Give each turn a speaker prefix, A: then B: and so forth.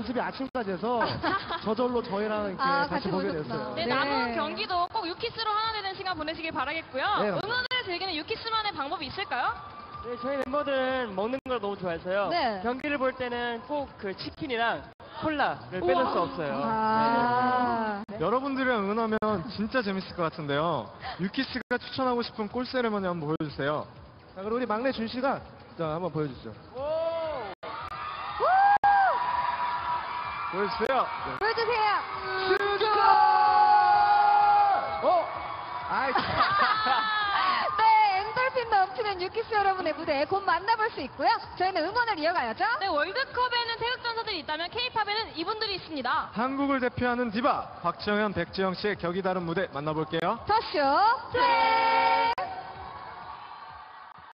A: 연습이 아침까지 해서 저절로 저희랑 이렇게 같이 보게 됐어요.
B: 네, 남은 경기도 꼭 유키스로 하나 되는 시간 보내시길 바라겠고요.
A: 네,
B: 응원을 즐기는 유키스만의 방법이 있을까요?
C: 네, 저희 멤버들은 먹는 걸 너무 좋아해서요.
B: 네.
C: 경기를 볼 때는 꼭 그 치킨이랑 콜라를 빼놓을 수 없어요.
B: 아.
D: 여러분들이랑 응원하면 진짜 재밌을 것 같은데요. 유키스가 추천하고 싶은 골 세레머니 한번 보여주세요.
A: 자, 그럼 우리 막내 준 씨가 자 한번 보여주시죠.
D: 보여주세요.
B: 보여주세요.
A: 아이.
B: 네, 엔돌핀 넘치는 유키스 여러분의 무대 곧 만나볼 수 있고요. 저희는 응원을 이어가야죠. 네, 월드컵에는 태극전사들이 있다면 K-팝에는 이분들이 있습니다.
D: 한국을 대표하는 디바 박정현, 백지영 씨의 격이 다른 무대 만나볼게요.
B: 더쇼 플레이!